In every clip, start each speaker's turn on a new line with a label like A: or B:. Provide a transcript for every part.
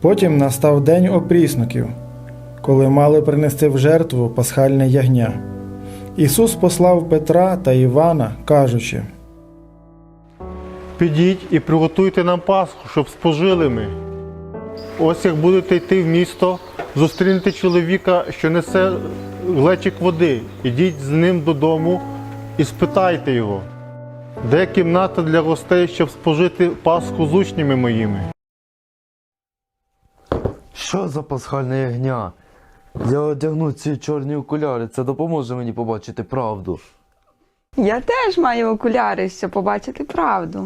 A: Потім настав день опрісноків, коли мали принести в жертву пасхальне ягня. Ісус послав Петра та Івана, кажучи:
B: «Підіть і приготуйте нам Пасху, щоб спожили ми. Ось як будете йти в місто, зустрінете чоловіка, що несе глечик води. Ідіть з ним додому і спитайте його, де кімната для гостей, щоб спожити Пасху з учнями моїми».
C: Що за пасхальне ягня? Я одягну ці чорні окуляри, це допоможе мені побачити правду.
D: Я теж маю окуляри, щоб побачити правду.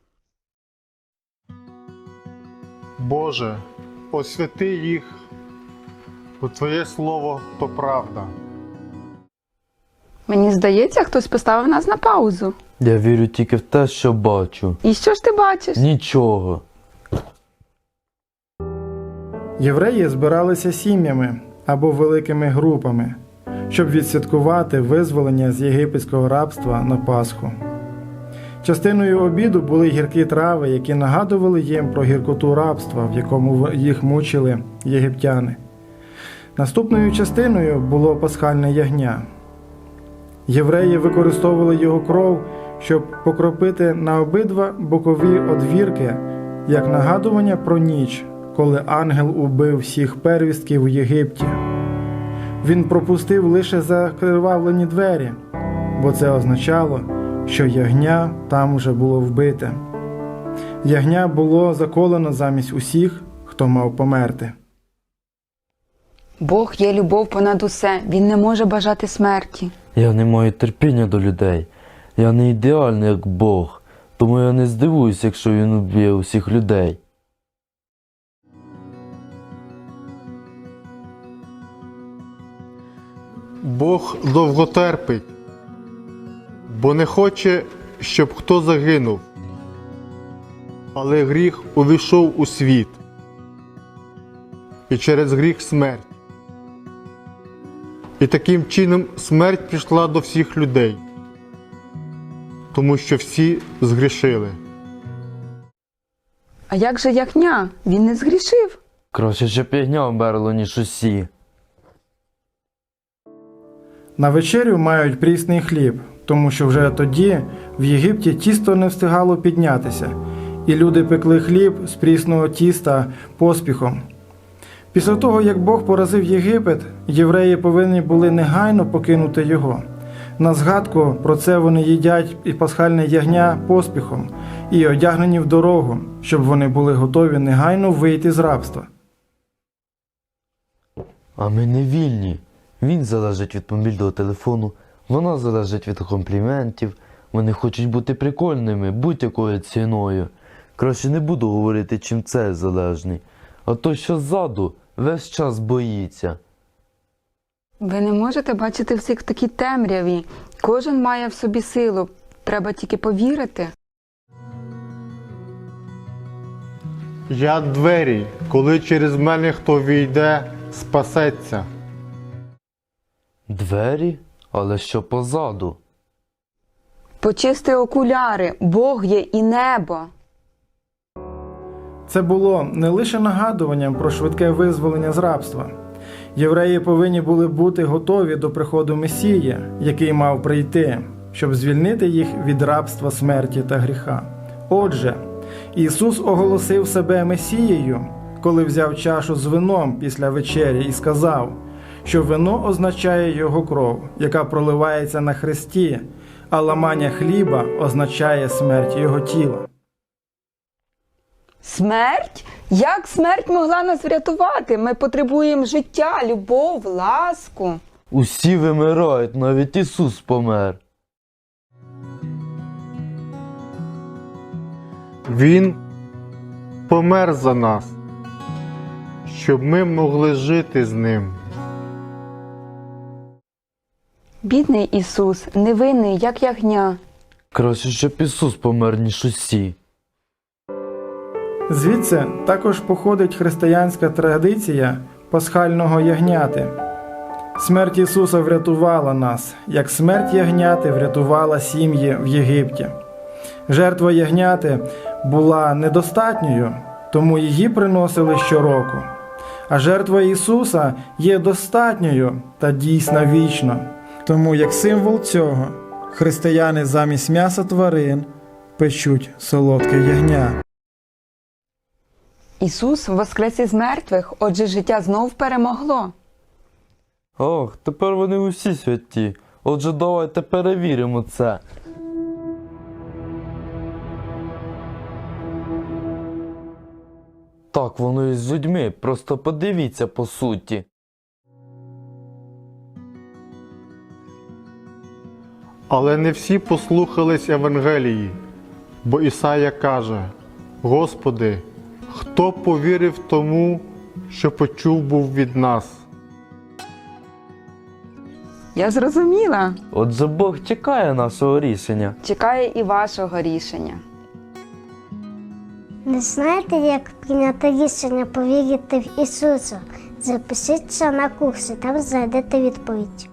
B: Боже, освяти їх, бо Твоє Слово – то правда.
D: Мені здається, хтось поставив нас на паузу.
C: Я вірю тільки в те, що бачу.
D: І що ж ти бачиш?
C: Нічого.
A: Євреї збиралися сім'ями або великими групами, щоб відсвяткувати визволення з єгипетського рабства на Пасху. Частиною обіду були гіркі трави, які нагадували їм про гіркоту рабства, в якому їх мучили єгиптяни. Наступною частиною було пасхальне ягня. Євреї використовували його кров, щоб покропити на обидва бокові одвірки, як нагадування про ніч, коли ангел убив всіх первістків у Єгипті. Він пропустив лише закривавлені двері, бо це означало, що ягня там вже було вбите. Ягня було заколено замість усіх, хто мав померти.
D: Бог є любов понад усе, Він не може бажати смерті.
C: Я не маю терпіння до людей. Я не ідеальний, як Бог. Тому я не здивуюсь, якщо він уб'є усіх людей.
B: Бог довго терпить, бо не хоче, щоб хто загинув. Але гріх увійшов у світ, і через гріх смерть. І таким чином смерть пішла до всіх людей, тому що всі згрішили.
D: А як же ягня? Він не згрішив.
C: Краще, щоб ягня вмерло, ніж усі.
A: На вечерю мають прісний хліб, тому що вже тоді в Єгипті тісто не встигало піднятися, і люди пекли хліб з прісного тіста поспіхом. Після того, як Бог поразив Єгипет, євреї повинні були негайно покинути його. На згадку про це вони їдять і пасхальне ягня поспіхом і одягнені в дорогу, щоб вони були готові негайно вийти з рабства.
C: А ми не вільні. Він залежить від мобільного телефону, вона залежить від компліментів. Вони хочуть бути прикольними будь-якою ціною. Краще не буду говорити, чим це залежний. А той, що ззаду, весь час боїться.
D: Ви не можете бачити всіх в такій темряві. Кожен має в собі силу. Треба тільки повірити.
B: Я двері, коли через мене хто війде, спасеться.
C: Двері? Але що позаду?
D: Почисти окуляри. Бог є і небо.
A: Це було не лише нагадуванням про швидке визволення з рабства. Євреї повинні були бути готові до приходу Месії, який мав прийти, щоб звільнити їх від рабства, смерті та гріха. Отже, Ісус оголосив себе Месією, коли взяв чашу з вином після вечері і сказав, що вино означає Його кров, яка проливається на хресті, а ламання хліба означає смерть Його тіла.
D: Смерть? Як смерть могла нас врятувати? Ми потребуємо життя, любов, ласку.
C: Усі вимирають, навіть Ісус помер.
B: Він помер за нас, щоб ми могли жити з Ним.
D: Бідний Ісус, невинний, як ягня.
C: Краще, щоб Ісус помер, ніж усі.
A: Звідси також походить християнська традиція пасхального ягняти. Смерть Ісуса врятувала нас, як смерть ягняти врятувала сім'ї в Єгипті. Жертва ягняти була недостатньою, тому її приносили щороку. А жертва Ісуса є достатньою та дійсно вічно. Тому як символ цього християни замість м'яса тварин печуть солодке ягня.
D: Ісус воскрес із мертвих, отже життя знов перемогло.
C: Ох, тепер вони усі святі. Отже, давайте перевіримо це. Так воно і з людьми, просто подивіться по суті.
B: Але не всі послухались Євангелії, бо Ісая каже: «Господи, хто повірив тому, що почув був від нас?»
D: Я зрозуміла.
C: Отже, Бог чекає нашого рішення.
D: Чекає і вашого рішення.
E: Не знаєте, як прийняти рішення повірити в Ісуса? Запишіться на курси, там знайдете відповідь.